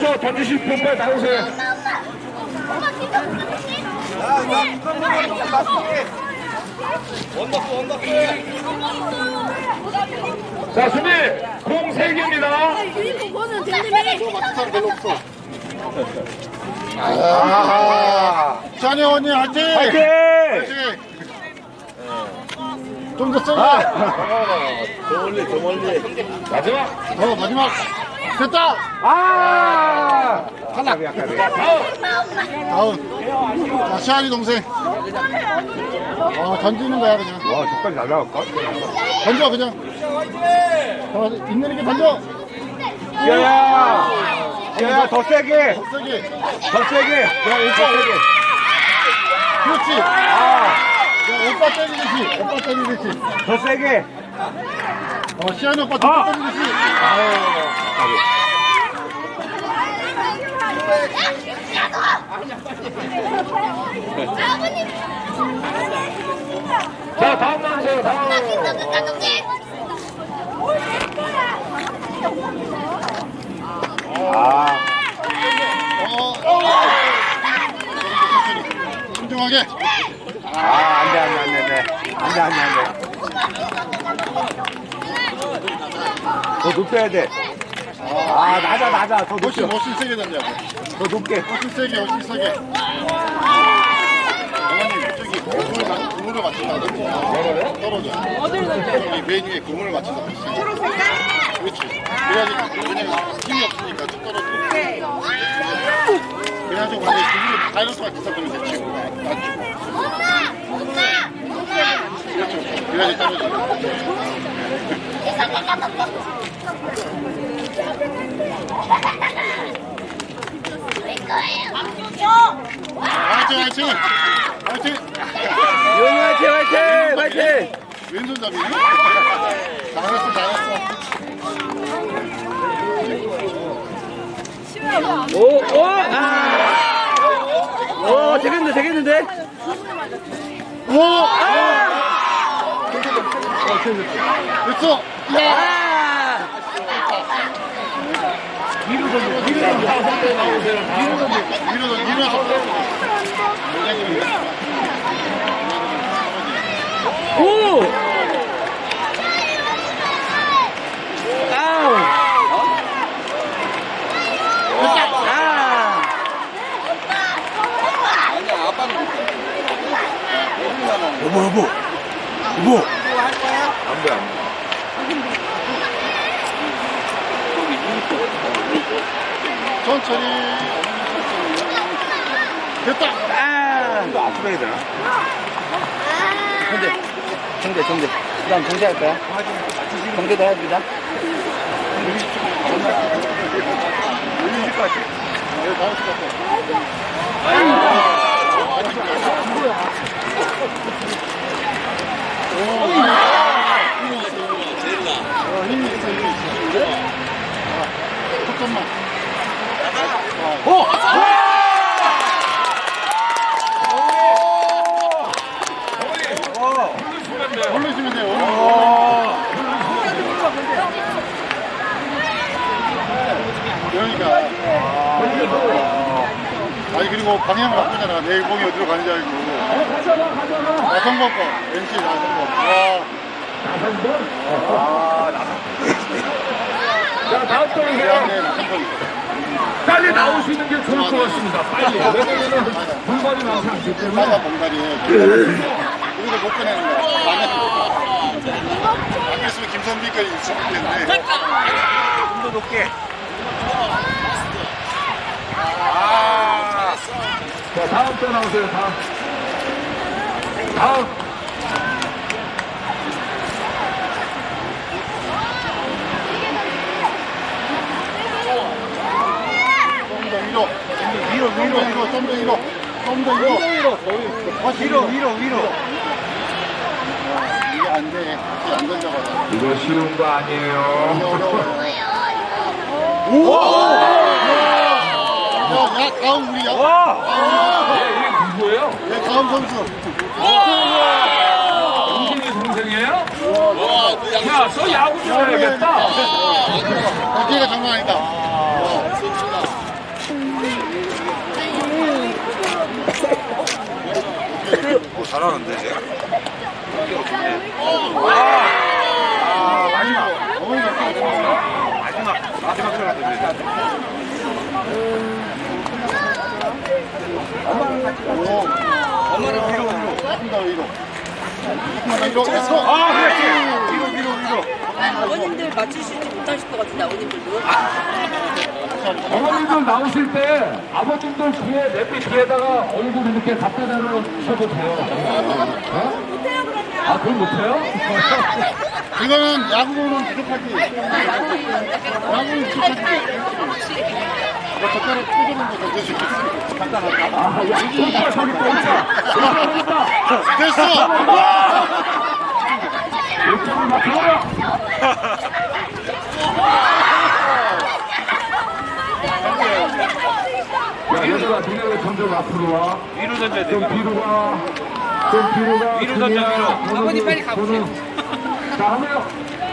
던지실 분 빨리 나오세요. 자, 준비! 공 3개입니다. 유니폼은 대님이 별로 없어. 아, 찬이 언니 화이팅! 화이팅! 화이팅! 좀 더 세게. 더 멀리. 마지막! 마지막. 됐다! 아! 탈락. 다음. 자, 시안이 동생. 던지는 거야, 그냥. 와, 저까지 날라갈까? 던져, 그냥. 있는 게 던져. 지아야, 더 세게! 더 세게. 더 세게! 야, 오빠 세게! 그렇지. 야, 오빠 때리듯이. 더 세게! 시안이 오빠 더 때리듯이. 자, 다음 나오세요, 다음! 신중하게. 안 돼. 더 높여야 돼. 낮아. 더 높여. 훨씬 세게 던져야 돼. 더 높게. 훨씬 세게. 어머님, 저기 그물을 맞춘다. 떨어져. 어디를 던져? 저기 배 위에 그물을 맞춘다. 그렇지. 그래야지, 왜냐면 힘이 없으니까 쭉 떨어져. 그래가지고 만약에 그물을 다이너스가 기사되면 되지. 맞추고. 그렇죠. 그래야지 떨어져. 화이팅! 용이 화이팅! 왼손잡이. 잘했어. 되겠는데? 됐어. 밀어서. 여보. 안 돼. 천천히. 됐다. 이거 앞으로 해야 되나? 정대. 그 다음 정대 할 거야? 정대도 해주자. 올릴 것 같아. 네, 나올 것 같아. 힘이 있어. 잠깐만. 올리시면 돼요. 그러니까. 아니, 그리고 방향 바꾸잖아. 내일 공이 어디로 가는지 알고. 나성범 거. NC 나성범. 자, 다음 떠오세요. 네, 나성범. 빨리 나오시는 게 좋을 것 같습니다. 빨리. 왜냐면은 분발이 나오지 않기 때문에. 사과 봉다리에. 여기서 못 꺼내는 거야. 안 그랬으면 김선비까지 있을 텐데. 좀 더 높게. 자, 다음 또 나오세요. 다음. 좀 더 위로. 이게 안 돼. 이게 안 던져가지고. 이거 쉬운 거 아니에요. 야, 다음 우리야. 얘 누구예요? 네, 다음 선수. 동생이 동생이에요? 야, 너 야구 좀 해야겠다. 기회가 장난 아니다. 잘하는데 쟤. 마지막 시간 엄마는 위로 위로. 위로 해서. 위로. 아버님들 맞추시지 못하실 것 같은데 아버님들도. 어머님들 나오실 때 아버님들 뒤에 내비 뒤에다가 얼굴 이렇게 갖다 대놓으셔도 돼요. 못해요 그러면. 아, 그럼 못해요? 이거는 야구는 부족하지. 야구는 부족하지. 뭐 젓가락 꽂아놓은 거 던져주고 있어. 간단하다. 아, 야, 오빠 저기 또 있다. 됐어! 이쪽으로 막 들어가. 야, 얘들아, 니네 왜 점점 앞으로 와? 위로 던져야 돼. 좀 뒤로 가. 좀 뒤로 가. 위로 던져, 위로. 아버님 빨리 가보세요. 자, 하면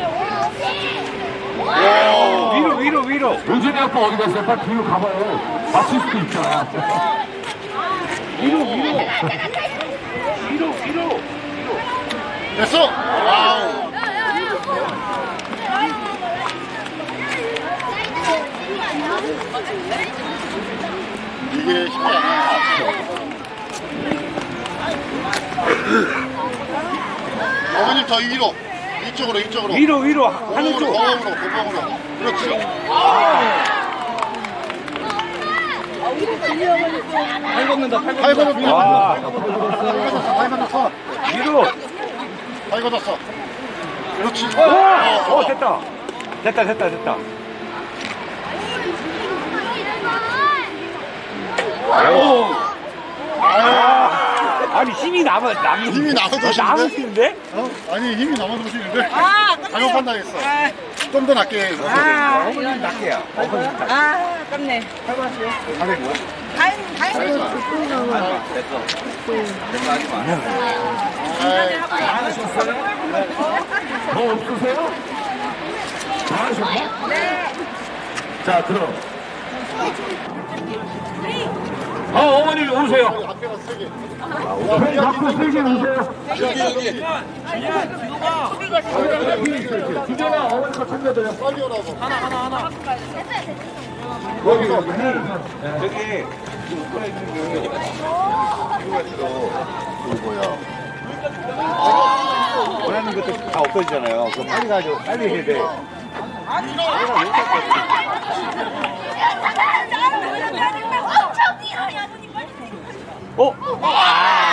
위로. 요준이 아빠 어디 갔어요? 빨리 뒤로 가봐요. 맞출 수도 있잖아. 됐어! 와우! 이게 쉽지 않아. 어머님 더 위로. 이쪽으로. 위로. 하늘 쪽. 고봉으로. 그렇지. 팔 걷는다. 팔 걷어, 위로. 와. 팔 걷었어. 위로. 팔 걷었어. 그렇지. 됐다. 아니 힘이 남은 힘이 남아도시는데? 남으시는데? 어? 아니, 힘이 남아도시는데? 아, 잘못 판단했어. 좀 더 낮게 해서. 어머님 낫게요. 아, 아깝네. 다 하셨어요? 뭐 없으세요? 다 하셨나? 네. 자, 그럼. 어머니 오세요. 앞에가 세 개. 펜 갖고 세개 오세요. 여기. 주제가 어머니 거 챙겨드려. 빨리 오라고. 여기서. 저기 원하는 것도 다 없어지잖아요. 그럼 빨리 가죠. 빨리 해야 돼. 어?